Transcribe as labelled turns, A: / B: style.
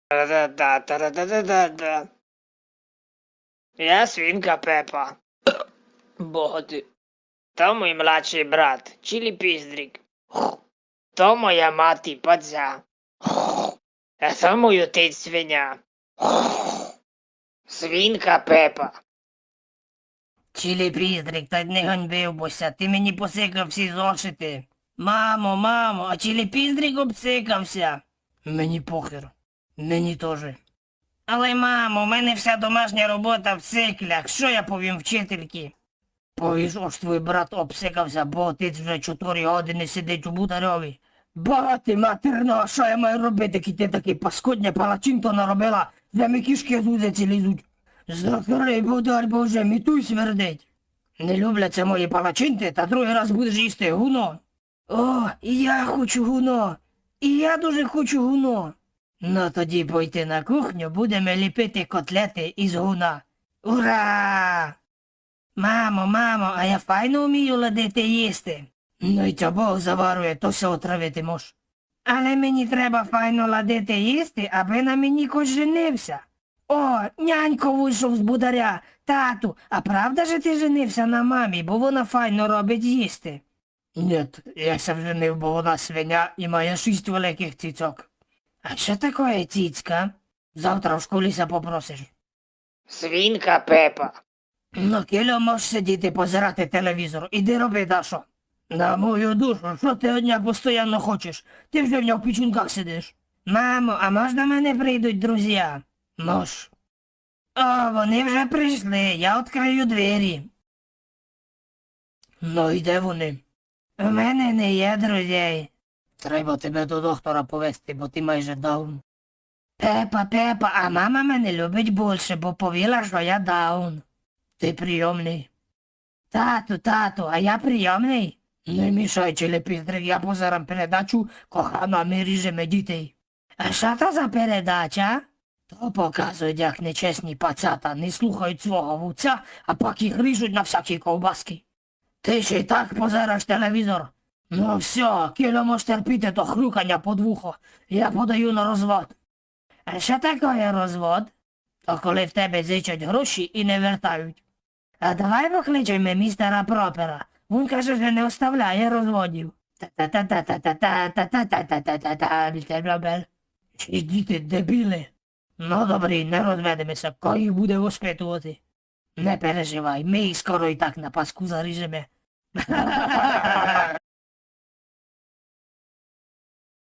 A: Та-да-да, та-да-да-да-да. Я свинка Пепа. Боти. То мій младший брат, Чилі Піздрик. То моя мати Падзя. А то мій отець свиня. Свинка Пепа.
B: Чилі Піздрик, та не ганьбився, ти мені посикав всі зошити. Мамо, а Чилі Піздрик обсикався. Мені похер. Мені теж. Але, мамо, у мене вся домашня робота в циклях. Що я повім вчительки? Повіш, ось твій брат обсикався, бо отець вже 4 години сидить у бутарьові. Багати матерно, а що я маю робити, ки ти такий паскудня палачинто наробила, де ми кішки з вузиці лізуть. Закрий будар, бо вже мітуй смердить. Не любляться мої палачинти, та другий раз будеш їсти гуно. О, і я хочу гуно. І я дуже хочу гуно. Ну тоді пойти на кухню, будемо ліпити котлети із гуна. Ура! Мамо, а я файно вмію ладити їсти. Ну й ця Бог заварує, то все отравити мож. Але мені треба файно ладити їсти, аби на мені кось женився. О, нянько вийшов з бударя. Тату, а правда же ти женився на мамі, бо вона файно робить їсти? Нет, я ся вженив, бо вона свиня і має 6 великих цицьок. А що таке цицька? Завтра в школі ся попросиш.
A: Свинка Пепа.
B: Ну, кільо можеш сидіти позирати телевізор. Іди роби, Дашо. На мою душу, що ти одня постійно хочеш? Ти вже в нього в пічунках сидиш. Мамо, а можна мене прийдуть друзі? Мож. О, вони вже прийшли, я відкрию двері. Ну, і де вони? У мене не є друзей. Треба тебе до доктора повезти, бо ти майже даун. Пепа, а мама мене любить більше, бо повіла, що я даун. Ти прийомний. Тату, а я прийомний? Не мішай, Чилі Піздрик, я позарам передачу «Кохана, ми ріжемо дітей». А що то за передача? То показують, як нечесні пацята не слухають свого вуця, а пак їх ріжуть на всякі ковбаски. Ти ще й так позираш телевізор? Ну все, кіло можеш терпіти то хрюкання під вухо. Я подаю на розвод. А що таке розвод? То коли в тебе зичать гроші і не вертають. А давай покличемо містера Пропера. Він каже, що не оставляє розводів. Та-та-та-та-та-та-та-та-та-та-та-та-та-та, містер Пропер. Чи діти дебіли? Ну добрі, не розведемося, хто їх буде воспитувати. Не переживай, ми їх скоро і так на паску заріжемо.